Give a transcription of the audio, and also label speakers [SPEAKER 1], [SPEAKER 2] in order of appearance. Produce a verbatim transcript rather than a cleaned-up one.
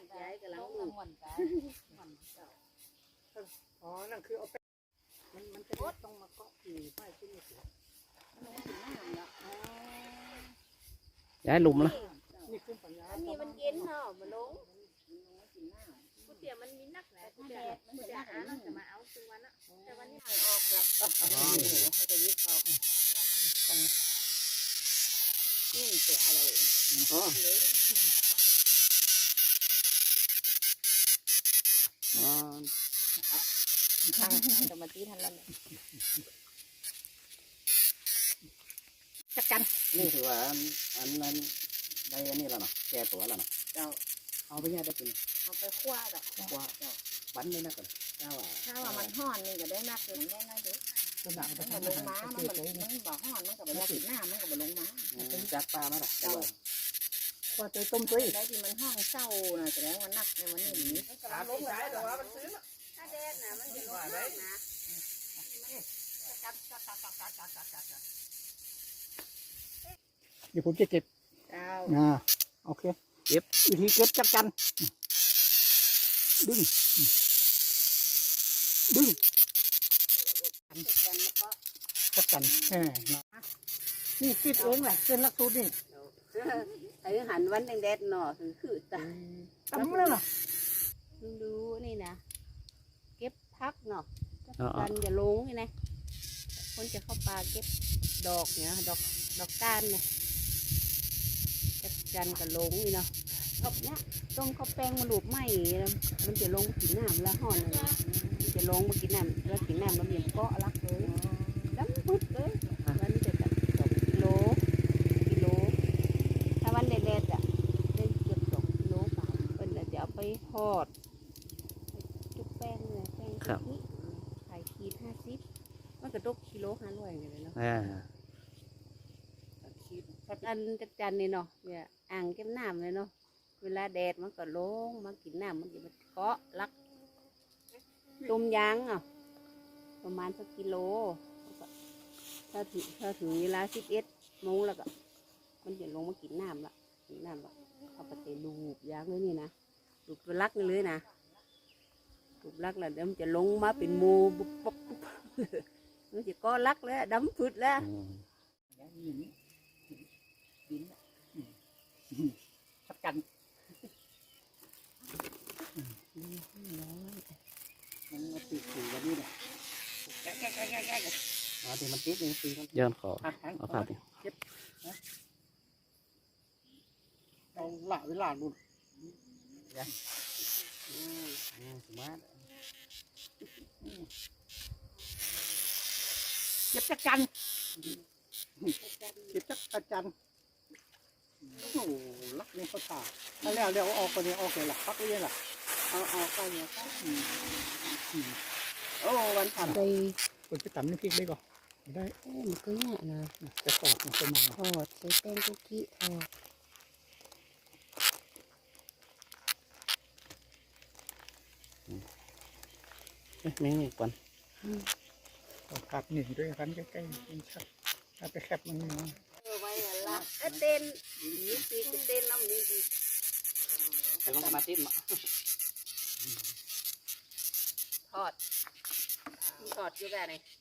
[SPEAKER 1] ย้ายกับหลังลูก
[SPEAKER 2] อ๋อนั่นคือเอาไปมันมันจะต้องมาเกาะที่ป้ายที่นี่สิ
[SPEAKER 3] ย้ายหลุมละ
[SPEAKER 2] นี่คือปัญญา
[SPEAKER 1] อันนี้มันเย็นเนาะมันลงกูเตี๋ยมันมีนักแหละกูเตี๋ยกูเตี๋ยหาเราจะมาเอาซึ่งวันอะแต่วันนี้ทางออกแล้วเขาจะยึดออกนี่ตัวอะไร
[SPEAKER 3] อ๋ออ๋อ
[SPEAKER 1] ทางจะมาตีทันแล้วเนี่ยจัดกัน
[SPEAKER 3] นี่ถือว่าอันอันนั้นได้อันนี้แล้วเนาะแก่ตัวแล้วเนาะ
[SPEAKER 1] เจ้า
[SPEAKER 3] เอาไปเนี่ยได้กิน
[SPEAKER 1] เอาไปคั่วดอก
[SPEAKER 3] คั่วบั้นไม่นักกันเจ้าว่า
[SPEAKER 1] ถ้าว่ามันห่อนนี่ก็ได้นักเลยได้นักเลยมันก็ลงม้ามันมันมันบ่ห่อนมันก็บ่ได้กินหน้ามันก็บ่ลงม้า
[SPEAKER 3] จากปลามาล่ะเจ้า
[SPEAKER 2] คั่วใจต้มตุ้ย
[SPEAKER 1] ได้ที่มันห้องเศร้าน่ะแสดงว่านักในวันนี้นี่
[SPEAKER 2] ถามลงไหนแต่ว่ามันซื้อ
[SPEAKER 1] ถ้าแดดน่ะมันจะลงมากนะ
[SPEAKER 2] เดี๋ยวผมจะเก็บอ่าโอเค
[SPEAKER 3] เก็บ
[SPEAKER 2] วิธีเก็บจับกันดึงดึงจับกันแหมนี่คิดเองแหละเส้นลักตูนี่
[SPEAKER 1] ไอ้หันวันแดดหน่อคือคือตา
[SPEAKER 2] ตำแล้วเหรอ
[SPEAKER 1] ดูนี่นะเก็บพักเนาะกันอย่าลงนี่นะคนจะเข้าป่าเก็บดอกเนี่ยดอกดอกก้านเนี่ยจับจันกับลงนี่เนาะกบเนี้ยต้องเขาแป้งมาหลูบไหมมันจะลงกินน้ำแล้วห่อนเลยมันจะลงมากินน้ำแล้วกินน้ำแล้วเบี่ยงเกาะรักเลยดำพุดเลยวันนี้จะจับสองกิโลกิโลถ้าวันแดดๆอ่ะได้เกือบสองกิโลป่าเป็นจะเอาไปทอดจุกแป้งเลยแป้งกะทิขายขีดห้าสิบมันกระดกกิโลห้าร้อยเลยเนาะอันจักจันนี่เนาะเนี่ยอ่างเก็บน้ำเลยเนาะเวลาแดดมันก็ลงมากินน้ำมันจะมันเกาะรักต้มยางอ่ะประมาณสักกิโลถ้าถึงถ้าถึงเวลาสิบเอ็ดโมงแล้วก็มันจะลงมากินน้ำละกินน้ำละเขาไปเตะลูบยางเลยนี่นะลูบตัวรักนี่เลยนะลูบรักแล้วเดี๋ยวมันจะลงมาเป็นโมบุบปุ๊บมันจะเกาะรักแล้วดำพืชแล้ว
[SPEAKER 2] จับกันมันมาติดอยู่กันนี่เนี่ยแกะแกะแกะแกะแกะอ๋อที่มันติดนี่ตีมัน
[SPEAKER 3] ย้อนขอเอาผ้าดิ
[SPEAKER 2] เก็บเอาหล่าเวลาลุ่นยังอืมอืมสมาร์ทเก็บจักจันเก็บจักจันโอ้ลักนี่เขาตาถ้าแล้วเดี๋ยวออกไปเนี่ยออกเลยล่ะพักเลยล่ะเอาเอาไปเนี่ยโอ้วันผ่านไปคนไปตำน้ำพริกได้ก่อนได้
[SPEAKER 1] โอ้มันก็เนี่ยนะ
[SPEAKER 2] จะตอดมันจะมา
[SPEAKER 1] ทอดใส่แป้งคุกกี้ทอด
[SPEAKER 3] นี่นี่ก่อน
[SPEAKER 2] ผักหนึ่งด้วยกันใกล้ๆกินชัดถ้าไปแคบมันมา
[SPEAKER 1] เออไว้ละเต้นนี่ปีกเต้นน้ำนี่ดี
[SPEAKER 3] แต่มันมาติดมั้ง
[SPEAKER 1] ทอดทอดอยู่แบบไหน